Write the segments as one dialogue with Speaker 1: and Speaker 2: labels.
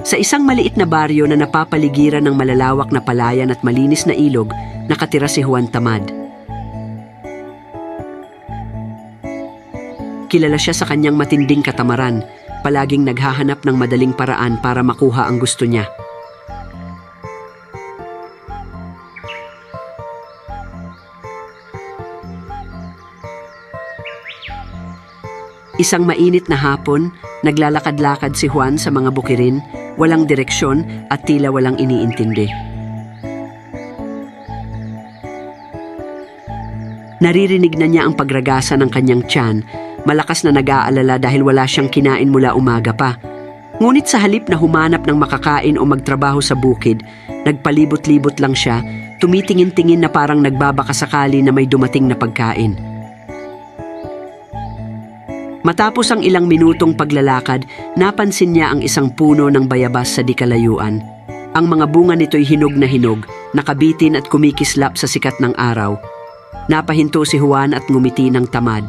Speaker 1: Sa isang maliit na baryo na napapaligiran ng malalawak na palayan at malinis na ilog, nakatira si Juan Tamad. Kilala siya sa kanyang matinding katamaran, palaging naghahanap ng madaling paraan para makuha ang gusto niya. Isang mainit na hapon, naglalakad-lakad si Juan sa mga bukirin, walang direksyon at tila walang iniintindi. Naririnig na niya ang pagragasa ng kanyang tiyan, malakas na nag-aalala dahil wala siyang kinain mula umaga pa. Ngunit sa halip na humanap ng makakain o magtrabaho sa bukid, nagpalibot-libot lang siya, tumitingin-tingin na parang nagbabakasakali na may dumating na pagkain. Matapos ang ilang minutong paglalakad, napansin niya ang isang puno ng bayabas sa di kalayuan. Ang mga bunga nito'y hinog na hinog, nakabitin at kumikislap sa sikat ng araw. Napahinto si Juan at ngumiti ng tamad.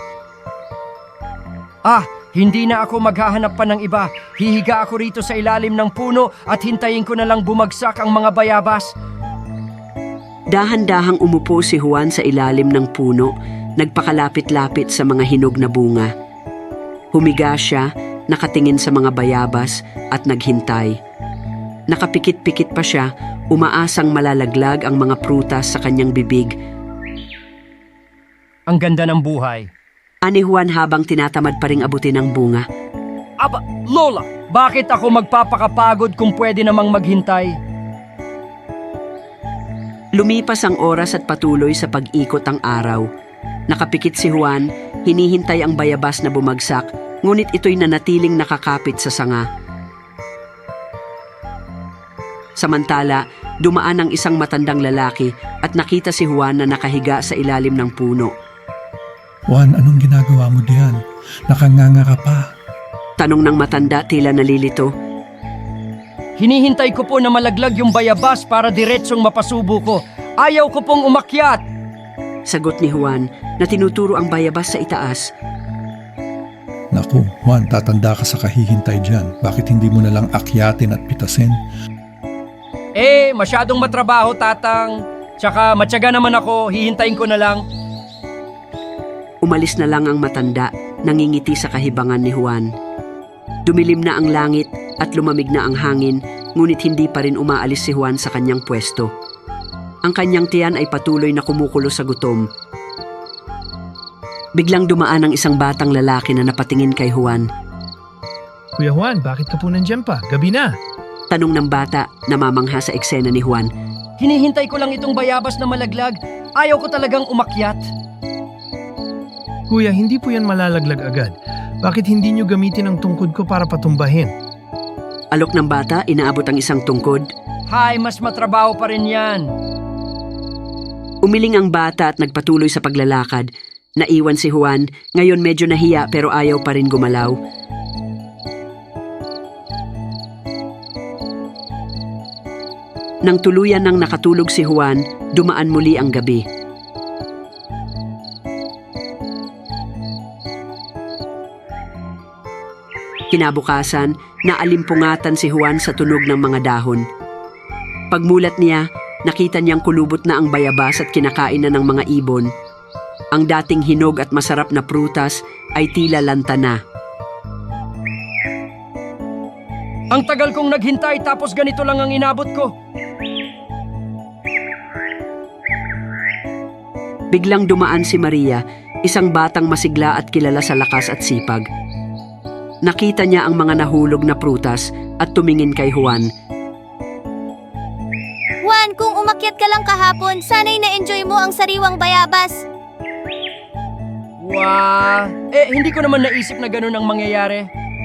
Speaker 2: Hindi na ako maghahanap pa ng iba. Hihiga ako rito sa ilalim ng puno at hintayin ko na lang bumagsak ang mga bayabas.
Speaker 1: Dahan-dahang umupo si Juan sa ilalim ng puno, nagpakalapit-lapit sa mga hinog na bunga. Humiga siya, nakatingin sa mga bayabas at naghintay. Nakapikit-pikit pa siya, umaasang malalaglag ang mga prutas sa kanyang bibig.
Speaker 2: Ang ganda ng buhay.
Speaker 1: Ani Juan habang tinatamad pa ring abutin ang bunga.
Speaker 2: Lola, bakit ako magpapakapagod kung pwede namang maghintay?
Speaker 1: Lumipas ang oras at patuloy sa pag-ikot ang araw. Nakapikit si Juan, hinihintay ang bayabas na bumagsak, ngunit ito'y nanatiling nakakapit sa sanga. Samantala, dumaan ang isang matandang lalaki at nakita si Juan na nakahiga sa ilalim ng puno.
Speaker 3: Juan, anong ginagawa mo diyan? Nakanganga ka pa.
Speaker 1: Tanong ng matanda, tila nalilito.
Speaker 2: Hinihintay ko po na malaglag yung bayabas para diretsong mapasubo ko. Ayaw ko pong umakyat.
Speaker 1: Sagot ni Juan na tinuturo ang bayabas sa itaas.
Speaker 3: Naku, Juan, tatanda ka sa kahihintay diyan. Bakit hindi mo na lang akyatin at pitasin?
Speaker 2: Masyadong matrabaho, tatang. Tsaka matyaga naman ako, hihintayin ko na lang.
Speaker 1: Umalis na lang ang matanda, nangingiti sa kahibangan ni Juan. Dumilim na ang langit at lumamig na ang hangin, ngunit hindi pa rin umaalis si Juan sa kanyang pwesto. Ang kanyang tiyan ay patuloy na kumukulo sa gutom. Biglang dumaan ang isang batang lalaki na napatingin kay Juan.
Speaker 4: Kuya Juan, bakit ka po nandyan pa? Gabi na.
Speaker 1: Tanong ng bata, namamangha sa eksena ni Juan.
Speaker 2: Hinihintay ko lang itong bayabas na malaglag. Ayaw ko talagang umakyat.
Speaker 4: Kuya, hindi po yan malalaglag agad. Bakit hindi nyo gamitin ang tungkod ko para patumbahin?
Speaker 1: Alok ng bata, inaabot ang isang tungkod.
Speaker 2: Mas matrabaho pa rin yan.
Speaker 1: Umiling ang bata at nagpatuloy sa paglalakad. Naiwan si Juan, ngayon medyo nahiya pero ayaw pa rin gumalaw. Nang tuluyan nang nakatulog si Juan, dumaan muli ang gabi. Kinabukasan, naalimpungatan si Juan sa tunog ng mga dahon. Pagmulat niya, nakita niyang kulubot na ang bayabas at kinakain na ng mga ibon. Ang dating hinog at masarap na prutas ay tila lanta na.
Speaker 2: Ang tagal kong naghintay tapos ganito lang ang inabot ko.
Speaker 1: Biglang dumaan si Maria, isang batang masigla at kilala sa lakas at sipag. Nakita niya ang mga nahulog na prutas at tumingin kay Juan.
Speaker 5: Juan, kung umakyat ka lang kahapon, sana'y na-enjoy mo ang sariwang bayabas.
Speaker 2: Hindi ko naman naisip na ganun ang mangyayari.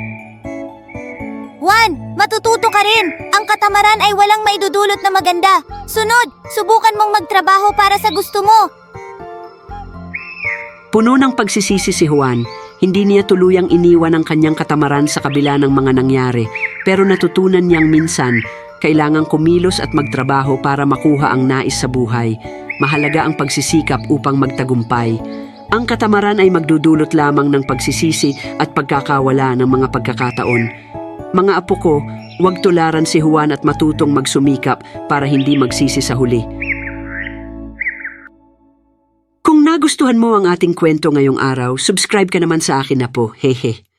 Speaker 5: Juan, matututo ka rin. Ang katamaran ay walang maidudulot na maganda. Sunod, subukan mong magtrabaho para sa gusto mo.
Speaker 1: Puno ng pagsisisi si Juan. Hindi niya tuluyang iniwan ang kanyang katamaran sa kabila ng mga nangyari, pero natutunan niyang minsan, kailangang kumilos at magtrabaho para makuha ang nais sa buhay. Mahalaga ang pagsisikap upang magtagumpay. Ang katamaran ay magdudulot lamang ng pagsisisi at pagkakawala ng mga pagkakataon. Mga apo ko, Huwag tularan si Juan at matutong magsumikap para hindi magsisi sa huli. Kung nagustuhan mo ang ating kwento ngayong araw, subscribe ka naman sa akin na po. Hehe.